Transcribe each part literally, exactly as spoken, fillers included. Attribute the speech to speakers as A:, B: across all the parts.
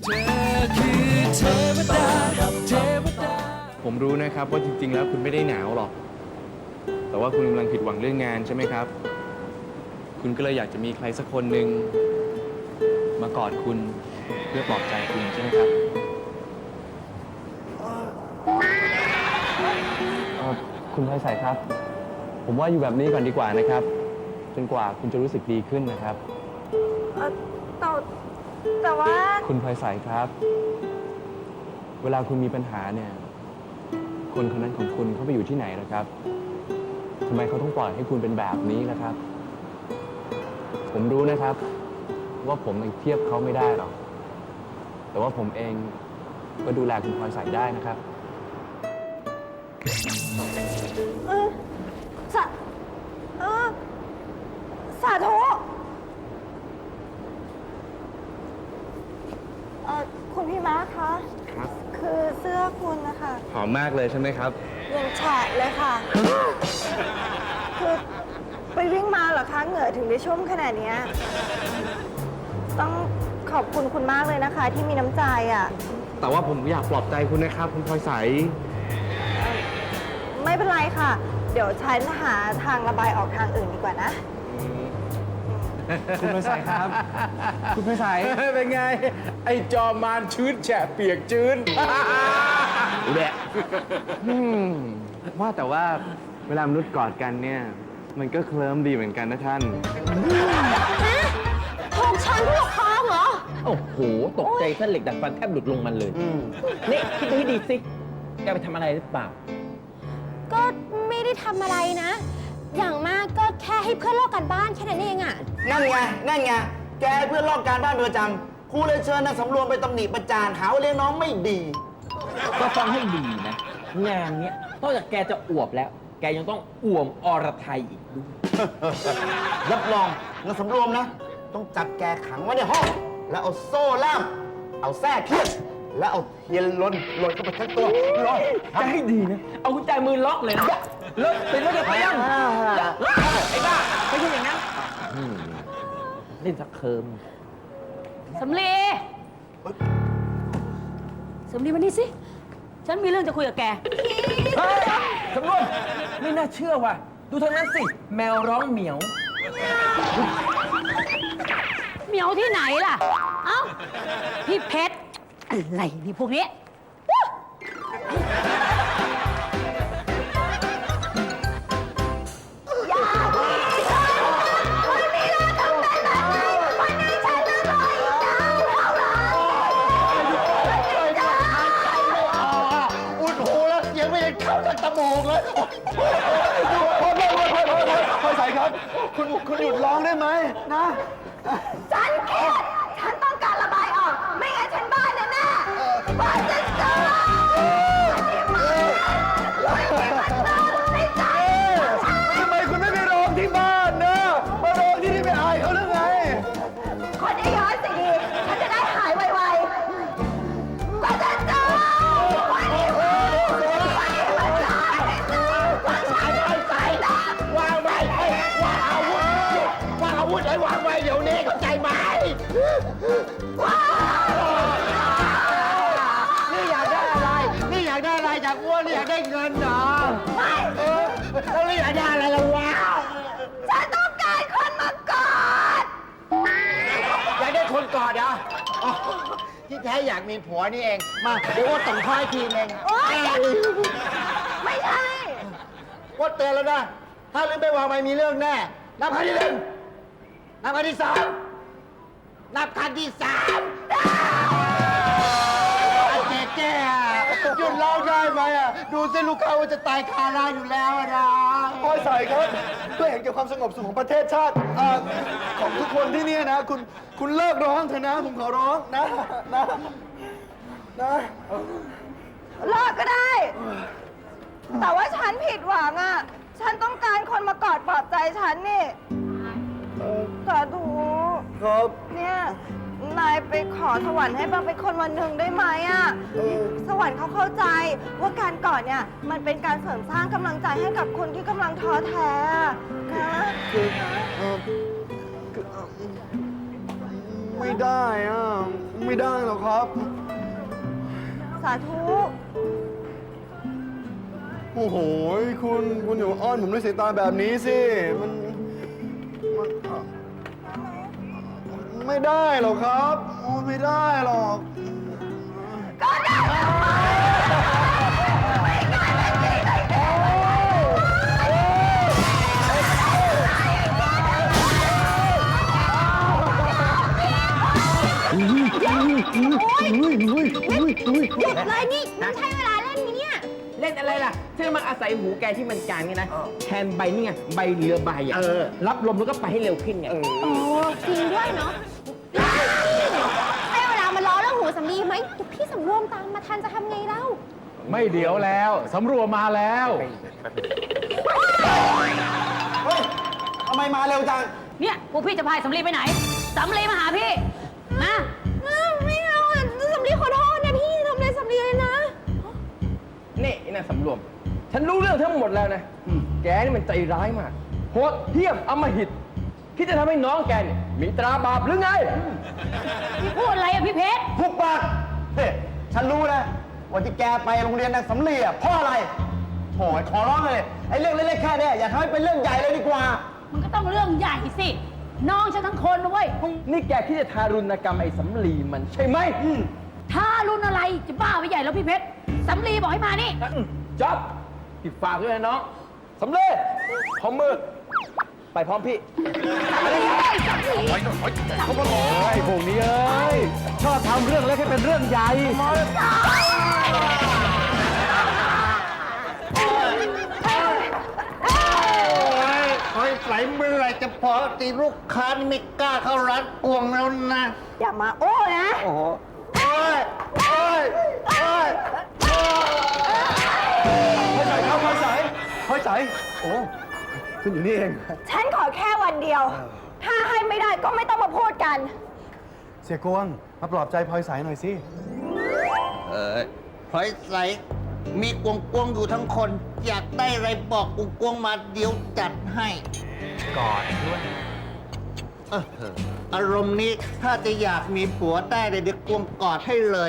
A: ผมรู้นะครับว่าจริงๆแล้วคุณไม่ได้หนาวหรอกแต่ว่าคุณกำลังผิดหวังเรื่องงานใช่ไหมครับคุณก็เลยอยากจะมีใครสักคนหนึ่งมากอดคุณเพื่อปลอบใจคุณใช่ไหมครับคุณพลอยใสครับผมว่าอยู่แบบนี้ก่อนดีกว่านะครับจนกว่าคุณจะรู้สึกดีขึ้นนะครับ
B: แต่แต่ว่า
A: คุณพลอยใสครับเวลาคุณมีปัญหาเนี่ยคนคนนั้นของคุณเขาไปอยู่ที่ไหนล่ะครับทำไมเขาต้องปล่อยให้คุณเป็นแบบนี้ล่ะครับผมรู้นะครับว่าผมยังเทียบเขาไม่ได้หรอกแต่ว่าผมเองก็ดูแลคุณพลอยใสได้นะครับ
B: เออสาเออสาธุเออคุณพี่ม้าคะ
A: ครับ
B: คือเสื้อคุณนะคะ
A: หอมมากเลยใช่ไหมครับ
B: ยังแฉะเลยค่ะ คือไปวิ่งมาเหรอคะเหงื่อถึงได้ชุ่มขนาดนี้ต้องขอบคุณคุณมากเลยนะคะ ที่มีน้ำใจอ่ะ
A: แต่ว่าผมอยากปลอบใจคุณนะครับคุณพลอยใส
B: ไม่เป็นไรค่ะ เดี๋ยวฉันหาทางระบายออกทางอื่นดีกว่านะ
A: คุณพลอยใสครับคุณพลอยใสเป็นไงไอจอมานชื้นแฉะเปียกชื้นแหละว่าแต่ว่าเวลามนุษย์กอดกันเนี่ยมันก็เคลิ้มดีเหมือนกันนะท่าน
B: ถูกฉันถูกคอเหรอ
C: โอ้โหตกใจเส้นเหล็กดัดฟันแทบหลุดลงมันเลยนี่คิดดูให้ดีสิแกไปทำอะไรหรือเปล่า
D: ก็ไม่ได้ทำอะไรนะ อย่างมากก็แค่ให้เพื่อนลอกกันบ้านแค่นั้นเองอะ
E: นั่นไง นั่นไง แกเพื่อนลอกการบ้านประจำครูเลยเชิญนางสำรวมไปตำหนิประจานหาว่าเลี้ยงน้องไม่ดี
C: ก็ฟังให้ดีนะ งานเนี้ยนอกจากแกจะอวบแล้ว แกยังต้องอ่วมอรไทยอีกด้วย
E: รับรองนางสำรวมนะ ต้องจับแกขังไว้ในห้อง แล้วเอาโซ่ล่าม เอาแส้เคียดแล้วเอาเทียนลนลนเข้าไปทั้งตัวลอย
C: แกให้ดีนะ เอากุญแจมือล็อกเลยนะเลิกติดแล้วจะเตียงไอ้บ้าไม่ใช่อย่างนั้นเล่นสักเคิม
D: สำลีสำลีมานี่สิฉันมีเรื่องจะคุยกับแก
C: สำรวมไม่น่าเชื่อว่ะดูทางนั้นสิแมวร้องเหมียว
D: เหมียวที่ไหนล่ะเอ้าพี่เพชรอะไรนี่พวกนี้
E: ตะโมกเลยพอพอพอพอพอพอใส่ครับคุณคุณหยุดร้องได้ไหมนะ
B: ฉันเครียดฉันต้องการระบายออกไม่งั้นฉันบ้าแน่แน่บ้าจะเจอ
E: ทำไมคุณไม่ไปร้องที่บ้านนะมาร้องที่นี่ไม่อายเขาหรือไง
B: คนเยอะๆสิดีฉันจะได้หายไวๆบ้าจะเจอ
E: ไอ้วางไว้เดี๋ยวนี้เข้าใจไหมนี่อยากได้อะไรนี่อยากได้อะไรจากอ้วนนี่อยากได้เงินเหรอไม่เออแล้วนี่อยากได้อะไรล่ะวะ
B: ฉันต้องการคนมากอด
E: อยากได้คนกอดเหรอที่แท้อยากมีผัวนี่เองมาเดี๋ยวว่าส่งค่อยทีเอง
B: ไม่ใช่
E: ว่าเตือนแล้วนะถ้าลืมไปวางไว้มีเรื่องแน่นับครั้งที่หนึ่งนับครั้งที่สองนับครั้งที่สามเจ๊แก่หยุดร้องได้ไหมอ่ะดูสิลูกเขาจะตายคาราอยู่แล้วนะพลอยใสครับเพื่อเห็นแก่ความสงบสุขของประเทศชาติของทุกคนที่นี่นะคุณคุณเลิกร้องเถอะนะผมขอร้องนะนะนะ
B: เลิกก็ได้แต่ว่าฉันผิดหวังอ่ะฉันต้องการคนมากอดปลอบใจฉันนี่สาธุ
E: ครับ
B: เนี่ยนายไปขอสวรรค์ให้บางเป็นคนวันหนึ่งได้ไหมอ่ะสวรรค์เขาเข้าใจว่าการกอดเนี่ยมันเป็นการเสริมสร้างกำลังใจให้กับคนที่กำลังท้อแท้นะ
E: คือไม่ได้อ่ะ ไม่ได้หรอกครับ
B: สาธุ
E: โอ้โห คุณ คุณอย่ามาอ้อนผมด้วยสายตาแบบนี้สิ มันมันไม่ได้หรอกครับโอ้ไม่ได้หรอก
D: หยุดเลยนี่มันใช่เวลาเล่นไหมเนี่ย
C: เล่นอะไรล่ะฉันมาอาศัยหูแกที่มันกลางนี่นะ แทนใบนี่ไง ใบเรือใบอ่ะรับลมแล้วก็ไปให้เร็วขึ้นไง
D: โอ้จริงด้วยเนาะใช่เวลามาล้อเรื่องหูสำลีไหมเดี๋ยวพี่สำรวมตามมาทันจะทำไงเล่า
A: ไม่เดี๋ยวแล้วสำรวมมาแล้ว
E: เฮ้ยทำไมมาเร็วจัง
F: เนี่ยพวกพี่จะพายสำลีไปไหน สำลีมาหาพี่นะ
D: ไม่เอาอ่ะสำลีขอโทษนะพี่ทำอะไรสำลีเลยนะ
C: นี่ไอ้นางสำรวม ฉันรู้เรื่องทั้งหมดแล้วนะ แกนี่มันใจร้ายมาก โหดเหี้ยมอำมหิตคิดจะทำให้น้องแกเนี่ยมีตราบาปหรือไง
F: พี่พูดอะไรอะพี่เพชร
E: ทุกปากเฮ้ยฉันรู้นะว่าที่แกไปโรงเรียนนางสำลีอ่ะเพราะอะไรโถ่ขอร้องเลย ไอ้เรื่องเล็กๆแค่เนี้ยอย่าทำให้เป็นเรื่องใหญ่เลยดีกว่า
F: มันก็ต้องเรื่องใหญ่สิ น้องฉันทั้งคนนะเว้ย
C: นี่แกคิดจะทารุณกรรมไอ้สำลีมันใช่ไหม
F: ถ้ารุ่นอะไรจะบ้าไปใหญ่แล้วพี่เพชรสำลีบอกให้มานี่
C: จ๊อบติดฝากด้วยนะน้องสำเร็จของมือ ไปพร้อมพี่
A: ไอ้พวกนี้เอ้ย ชอบทำเรื่องเล็กให้เป็นเรื่องใหญ่
G: คอยใส่เมื่อไหรจะพอตีลูกค้านี่ไม่กล้าเข้าร้านกวงแล้วนะ
B: อย่ามาโอ้นะ
G: โอ้โหโอ้ยโอ้ยโอ้ย
E: พลอยใสครับพลอยใสพลอยใสโอ้คุณอยู่นี่เอง
B: ฉันขอแค่วันเดียว ถ้าให้ไม่ได้ก็ไม่ต้องมาพูดกัน
E: เสียกวง มาปลอบใจพลอยใสหน่อยสิ
G: เออคอยใส่มีกวงกวงอยู่ทั้งคน อยากได้อะไรบอกกวงกวงมาเดี๋ยวจัดให้
E: กอดด้วย
G: เอออารมณ์นี้ถ้าจะอยากมีผัวได้เลยเดี๋ยวกวงกอดให้เลย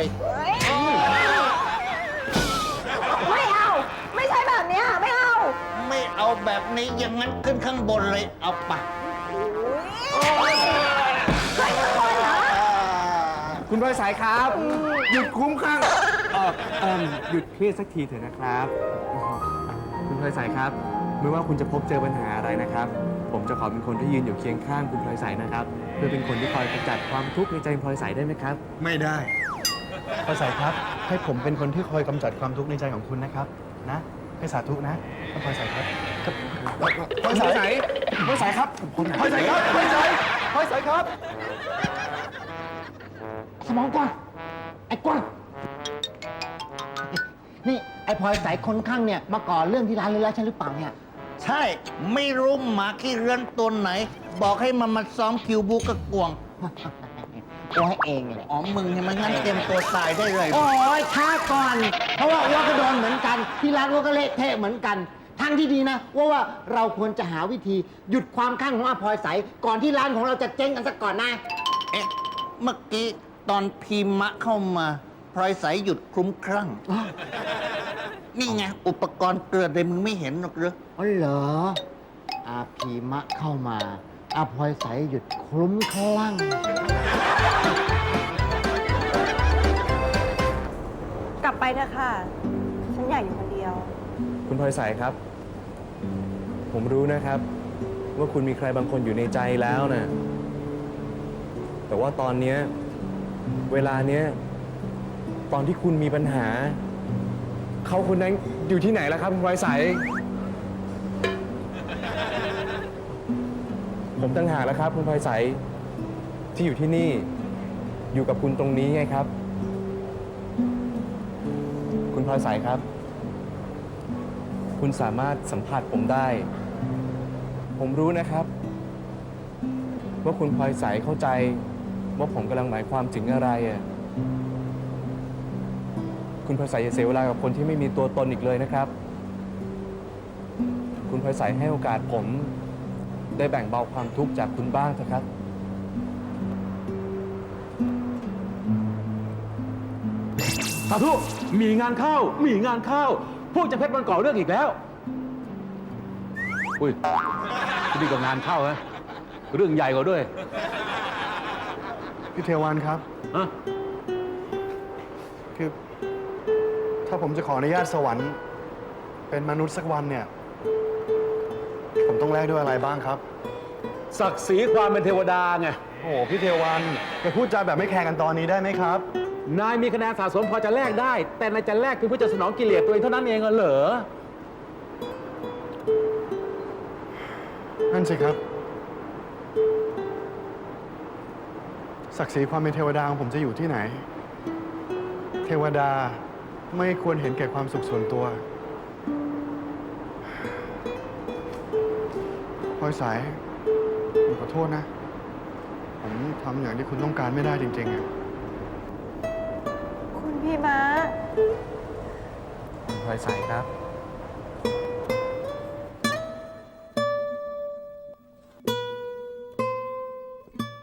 B: ไม่เอา ไม่ใช่แบบเนี้ยไม่เอา
G: ไม่เอาแบบนี้อย่างนั้นขึ้นข้างบนเลยเอาไป
B: ใครทุกคนเหรอ
A: คุณพลอยสายครับ หยุดคุ้มข้างเออเอมหยุดเครียดสักทีเถอะนะครับ คุณพลอยสายครับ ไม่ว่าคุณจะพบเจอปัญหาอะไรนะครับ ผมจะขอเป็นคนที่ยืนอยู่เคียงข้างคุณพลอยสายนะครับ เพื่อเป็นคนที่คอยกำจัดความทุกข์ในใจพลอยสายได้ไหมครับ
E: ไม่ได้พลอยใสครับ ให้ผมเป็นคนที่คอยกำจัดความทุกข์ในใจของคุณนะครับ นะ ให้สาธุนะท่านพลอยใสครับครับพลอยใสพลอยใสครับพลอยใสครับพลอยใสพลอยใสครับ
G: สมองกว้างไอ้กว้างนี่ไอ้พลอยสายคนข้างเนี่ยมาก่อเรื่องที่ร้านเลยแล้วใช่หรือเปล่าเนี่ย ใช่ไม่รู้หมาขี้เรือนตัวไหน บอกให้มันมาซ้อมคิวบูกับกวงตัวให้เองเลยอ๋อมึงเนี่ยมันงั้นเตรียมตัวตายได้เลย โอ้ยช้าก่อน เพราะว่าอ้วก็โดนเหมือนกัน ที่ร้านอ้วก็เละเทะเหมือนกัน ทางที่ดีนะว่าว่าเราควรจะหาวิธีหยุดความข้างของอาพลอยใสก่อนที่ร้านของเราจะเจ๊งกันสักก่อนนะ เอ๊ะ เมื่อกี้ตอนพีมะเข้ามาพลอยใสหยุดคลุ้มคลั่ง นี่ไง อุปกรณ์เกลือเลยมึงไม่เห็นหรอกเหรออ๋อเหรอ อาพีมะเข้ามา อาพลอยใสหยุดคลุ้มคลั่ง
B: กลับไปเถอะค่ะ ฉันอยากอยู่คนเดียว
A: คุณพลอยสายครับ ผมรู้นะครับ ว่าคุณมีใครบางคนอยู่ในใจแล้วนะแต่ว่าตอนเนี้ยเวลาเนี้ยตอนที่คุณมีปัญหา เขาคนนั้นอยู่ที่ไหนแล้วครับคุณพลอยสายผมตั้งหากแล้วครับคุณพลอยสายที่อยู่ที่นี่อยู่กับคุณตรงนี้ไงครับ คุณพลอยสายครับ คุณสามารถสัมผัสผมได้ ผมรู้นะครับ ว่าคุณพลอยใสเข้าใจว่าผมกำลังหมายความถึงอะไรอ่ะ คุณพลอยใสอย่าเสียเวลากับคนที่ไม่มีตัวตนอีกเลยนะครับ คุณพลอยใสให้โอกาสผมได้แบ่งเบาความทุกข์จากคุณบ้างเถอะครับ
H: สาธุมีงานเข้า มีงานเข้า พวกเจะเพชรมันก่อเรื่องอีกแล้ว อุ้ยนี่ก็งานเข้าฮะเรื่องใหญ่กว่าด้วย
E: พี่เทวันครับ
H: ฮะ
E: คือ ถ้าผมจะขออนุญาตสวรรค์ เป็นมนุษย์สักวันเนี่ย ผมต้องแลกด้วยอะไรบ้างครับ
H: ศักดิ์ศรีความเป็นเทวดาไง
E: โอ้โหพี่เทวันอย่าพูดจาแบบไม่แคร์กันตอนนี้ได้ไหมครับ
H: นายมีคะแนนสะสมพอจะแลกได้ แต่นายจะแลกเพียงเพื่อจะสนองกิเลสตัวเองเท่านั้นเองเหรอ
E: นั่นสิครับ ศักดิ์ศรีความเป็นเทวดาของผมจะอยู่ที่ไหน เทวดาไม่ควรเห็นแก่ความสุขส่วนตัวพลอยสายผมขอโทษนะ ผมทำอย่างที่คุณต้องการไม่ได้จริงๆอะ
B: คุณพี่ม้า
A: คุณพลอยใสครับ